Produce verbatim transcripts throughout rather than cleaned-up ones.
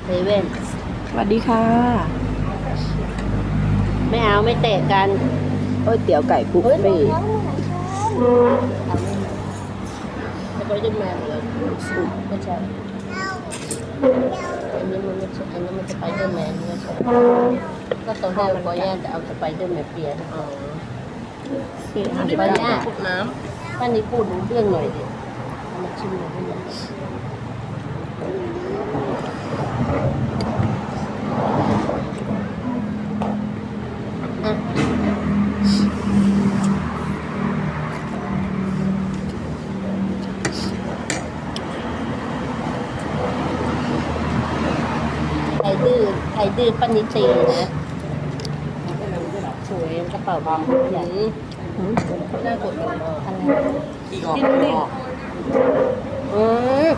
เซเว่นสวัสดีค่ะไม่เอาไม่เตะกันก๋วยเตี๋ยวไก่บุฟเฟ่ต์จะไปด้วยแมนเลยไม่ใช่อันนี้มันไม่ใช่อันนี้มันสไปเดอร์แมนไม่ใช่ก็ตอนแรกบอย่าจะเอาสไปเดอร์แมนเปลี่ยนอ๋อสี่ห้าป้าย่าพูดน้ำป้านี่พูดรู้เรื่องหน่อยดิมาชิมหน่อยดิใครดื้อใครดื้อป้านิตีนะสวยกระเป๋าความใหญ่น่ากดอะไรอีกออกกินดิอืม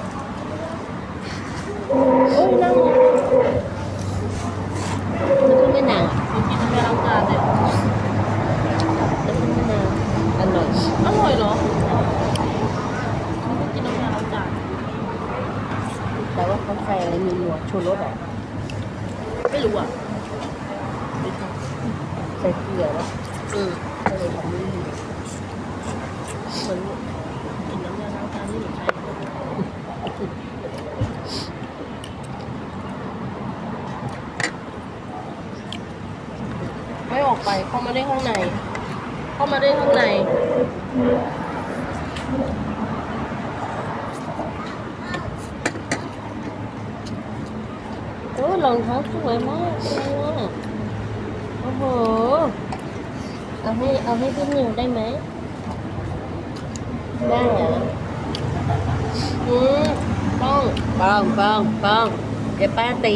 โอ้ยนั่งมันคือไม่นางอ่ะกินไม่ล้างจานเลยมันคือไม่นางอร่อยอร่อยเหรอมันกินน้ำยาล้างจานแต่ว่าเขาใส่อะไรมีหนวดชูรสอ่ะไม่รู้อ่ะใส่เกลือวะอืมก็เลยทำไม่ดีเหมือนกินน้ำยาล้างจานนี่เหมือนใช้ไม่ออกไปเข้ามาได้ข้างในเข้ามาได้ข้างในโอ้รองเท้าสวยมากเลยอ่ะโอ้โหเอาให้เอาให้พี่นิวได้ไหมได้เหรออืมป้องป้องป้องป้องเดี๋ยวป้าตี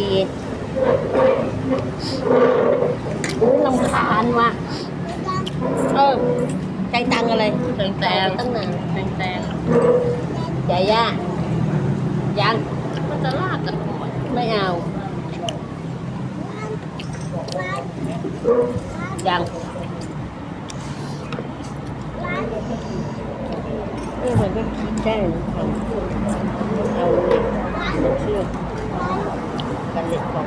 อู้ลำคาญว่ะเออใจตังอะไรแตงแตงตั้งนานแตงแตงใหญ่ย่ายังมันจะลากกันหมดไม่เอายังเออมันก็คิดได้นะทำเอาเชือกกันเหล็กบอก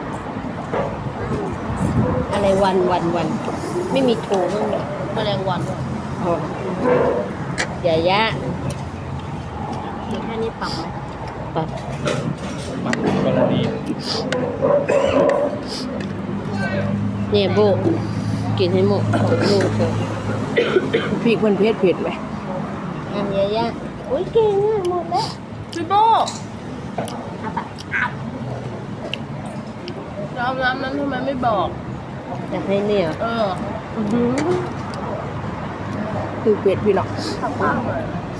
อะไรวันวันวันไม่มีโทรบ้างเหรอแมลงวันอ๋ออย่ายะเดี๋ยวแค่นี้ปรับไหมปรับปรับกรณีเนี่ยโบกินให้หมดของลูกเลยพริกมันเผ็ดเผ็ดไหมอันยายะอุ้ยเก่งอ่ะหมดแล้วพี่โบเอาน้ำนั้นทำไมไม่บอกจะให้เนี่ยเออคือเผ็ดพี่หรอกขับบ้างเลย